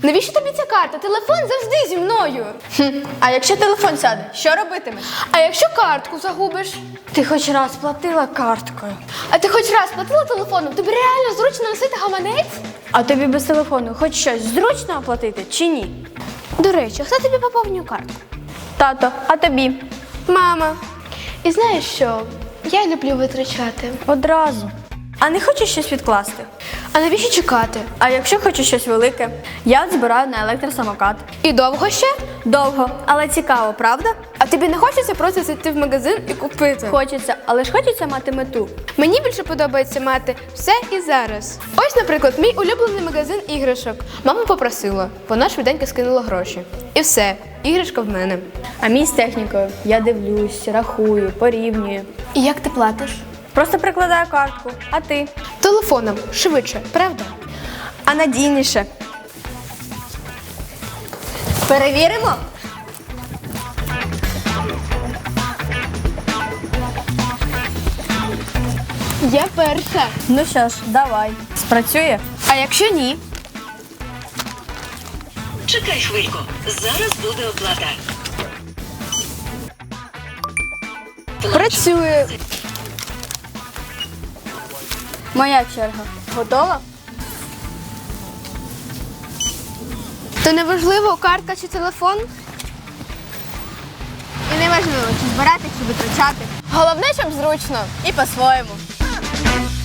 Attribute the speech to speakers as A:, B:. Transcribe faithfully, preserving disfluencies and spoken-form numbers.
A: Навіщо тобі ця карта? Телефон завжди зі мною.
B: Хм. А якщо телефон сяде, що робитимеш?
A: А якщо картку загубиш?
B: Ти хоч раз платила карткою.
A: А ти хоч раз платила телефоном? Тобі реально зручно носити гаманець?
B: А тобі без телефону хоч щось зручно оплатити чи ні?
A: До речі, хто тобі поповнює картку?
B: Тато, а тобі?
A: Мама. І знаєш що? Я люблю витрачати.
B: Одразу. А не хочеш щось відкласти?
A: А навіщо чекати?
B: А якщо хочеш щось велике? Я от збираю на електросамокат.
A: І довго ще?
B: Довго, але цікаво, правда?
A: А тобі не хочеться просто зайти в магазин і купити?
B: Хочеться, але ж хочеться мати мету.
A: Мені більше подобається мати все і зараз. Ось, наприклад, мій улюблений магазин іграшок. Мама попросила, вона швиденько скинула гроші. І все, іграшка в мене.
B: А мій з технікою. Я дивлюсь, рахую, порівнюю.
A: І як ти платиш?
B: Просто прикладаю картку. А ти?
A: Телефоном, швидше, правда?
B: А надійніше. Перевіримо?
A: Я перша.
B: Ну що ж, давай. Спрацює?
A: А якщо ні?
C: Чекай хвильку, зараз буде оплата.
A: Працює.
B: Моя черга. Готова?
A: То не важливо, картка чи телефон?
B: І не важливо, чи збирати, чи витрачати.
A: Головне, щоб зручно.
B: І по-своєму.